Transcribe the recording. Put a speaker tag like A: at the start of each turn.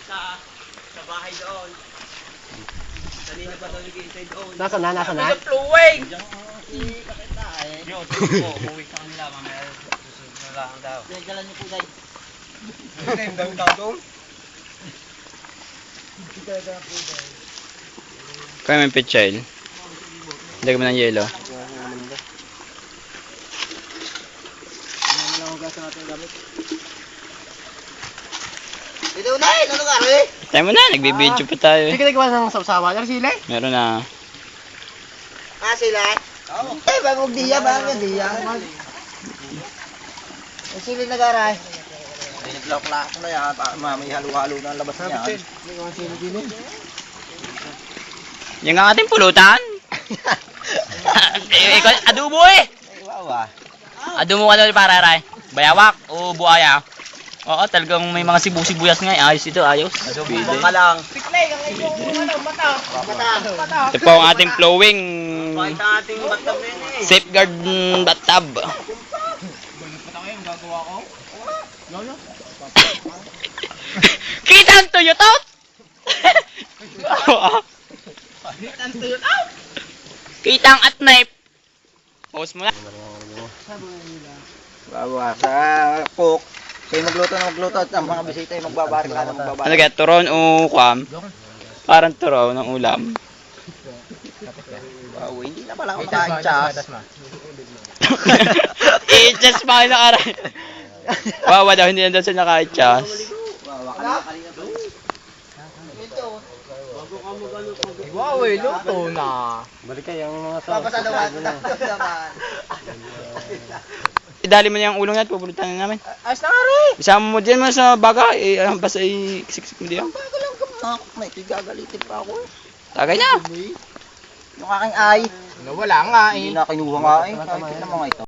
A: Sa bahay doon. Kanina pa doon nag-iintay doon.
B: Nasa na?
A: Sa flowing!
C: Yo, tupo, uwi sa kanila, mamaya susunod na lang daw.
A: Dalan niyo po, Day.
B: Ano yung dami tao doon?
D: Kaya may pichel. Lagyan mo ng yelo.
A: Ito na eh! Ano ka rin?
D: Tayo mo na, nagbibideo pa tayo
B: Hindi
D: eh.
B: ka nagawa ng sausawa. Ano sila?
D: Meron na.
A: Ah, sila? Oo. Eh, bagong diya, bagong diya. Ang sila nag-aray. Pinag-lock-lock na yan. May halo-halo na ang labas niya.
D: Yung ang ating pulutan. Adobo eh.
A: Wow ah.
D: Adobo ka daw para ray. Bayawak o buaya. Oo, talagang may mga sibu-sibuyas nga. Ayos ito, ayos.
A: Bumang ka lang.
D: Ito po ang ating flowing
A: Bakit ang ating batang rin eh?
D: safeguard bathtub. Kita ang tuyot-out! Kita ang at knife. Pause mo na.
A: Bawa sa cook. Kayo magluto na magluto at ang mga bisita ay magbabaril ka na magbabaril.
D: Ano kaya, turon o kwam? Parang turo ng ulam.
A: Wow, hindi na pala ako naka-adjust.
D: I-adjust pa kayo nakaray. Wawa daw, hindi na daw siya naka-adjust.
B: Wow, luto na. Balik kayo yung mga
A: Papasalawan na naman.
D: Idali mo niya ang ulong yan, pupulutan na namin.
A: Ayos na nga rin.
D: Isama mo dyan mo sa baga, basta i-siksik mo diyan.
A: Bago lang gamak. May gagalitin pa ako eh.
D: Tagay na.
A: Yung aking ay.
B: Nawala nga
A: Hindi na kinuha nga eh. Kahit na mga ito.